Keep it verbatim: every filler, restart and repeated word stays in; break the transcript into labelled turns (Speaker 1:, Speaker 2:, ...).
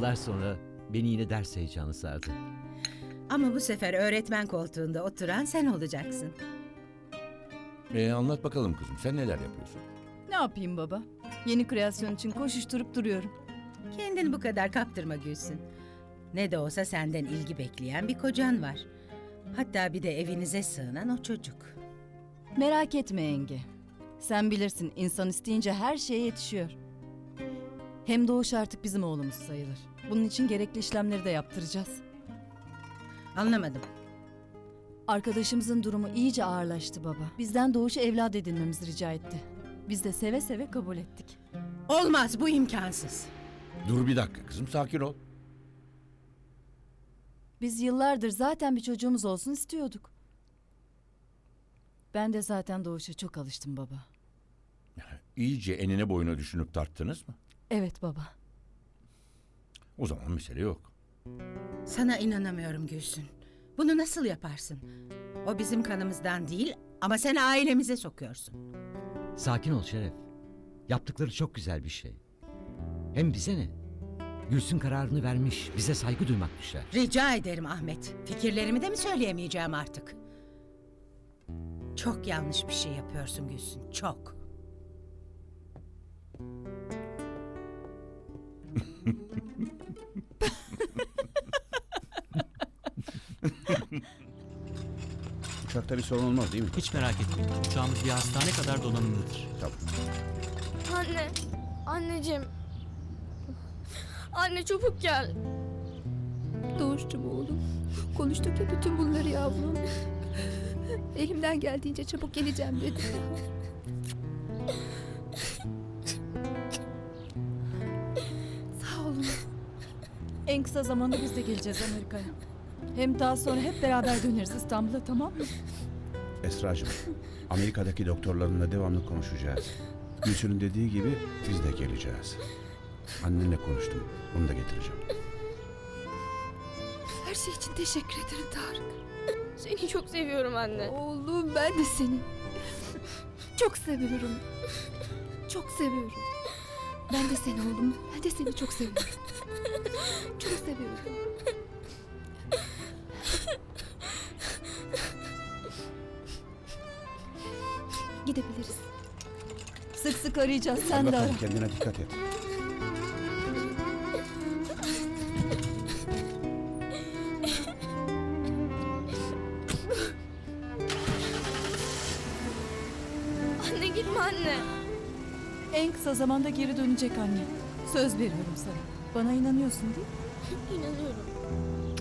Speaker 1: Yıllar sonra beni yine ders heyecanı sardı.
Speaker 2: Ama bu sefer öğretmen koltuğunda oturan sen olacaksın.
Speaker 3: Ee, anlat bakalım kızım, sen neler yapıyorsun?
Speaker 4: Ne yapayım baba? Yeni kreasyon için koşuşturup duruyorum.
Speaker 2: Kendini bu kadar kaptırma Gülsün. Ne de olsa senden ilgi bekleyen bir kocan var. Hatta bir de evinize sığınan o çocuk.
Speaker 4: Merak etme yenge. Sen bilirsin, insan isteyince her şeye yetişiyor. Hem Doğuş artık bizim oğlumuz sayılır. Bunun için gerekli işlemleri de yaptıracağız.
Speaker 2: Anlamadım.
Speaker 4: Arkadaşımızın durumu iyice ağırlaştı baba. Bizden Doğuş'u evlat edinmemizi rica etti. Biz de seve seve kabul ettik.
Speaker 2: Olmaz, bu imkansız.
Speaker 3: Dur bir dakika kızım, sakin ol.
Speaker 4: Biz yıllardır zaten bir çocuğumuz olsun istiyorduk. Ben de zaten Doğuş'a çok alıştım baba.
Speaker 3: İyice enine boyuna düşünüp tarttınız mı?
Speaker 4: Evet baba.
Speaker 3: O zaman mesele yok.
Speaker 2: Sana inanamıyorum Gülsün. Bunu nasıl yaparsın? O bizim kanımızdan değil ama sen ailemize sokuyorsun.
Speaker 1: Sakin ol Şeref. Yaptıkları çok güzel bir şey. Hem bize ne? Gülsün kararını vermiş, bize saygı duymak düşer.
Speaker 2: Rica ederim Ahmet. Fikirlerimi de mi söyleyemeyeceğim artık? Çok yanlış bir şey yapıyorsun Gülsün, çok.
Speaker 5: Uçakta bir sorun olmaz değil mi?
Speaker 6: Hiç merak etmeyin. Uçağımız bir hastane kadar donanımlıdır.
Speaker 5: Tamam.
Speaker 7: Anne, anneciğim. Anne çabuk gel.
Speaker 8: Doğuş'cum oğlum. Konuştuk ya bütün bunları yavrum. Elimden geldiğince çabuk geleceğim dedim. Sağ olun.
Speaker 4: En kısa zamanda biz de geleceğiz Amerika'ya. Hem daha sonra hep beraber döneriz İstanbul'a, tamam mı?
Speaker 5: Esra'cığım, Amerika'daki doktorlarınla devamlı konuşacağız. Gülsün'ün dediği gibi biz de geleceğiz. Annenle konuştum, onu da getireceğim.
Speaker 8: Her şey için teşekkür ederim Tarık.
Speaker 7: Seni çok seviyorum anne.
Speaker 8: Oğlum ben de seni. Çok seviyorum. Çok seviyorum. Ben de seni oğlum. Ben de seni çok seviyorum. Çok seviyorum. Gidebiliriz.
Speaker 4: Sık sık arayacağız,
Speaker 5: Hadi
Speaker 4: sen de ara.
Speaker 5: bakalım, kendine dikkat et.
Speaker 7: Anne gitme anne.
Speaker 4: En kısa zamanda geri dönecek anne. Söz veriyorum sana. Bana inanıyorsun değil mi?
Speaker 7: İnanıyorum.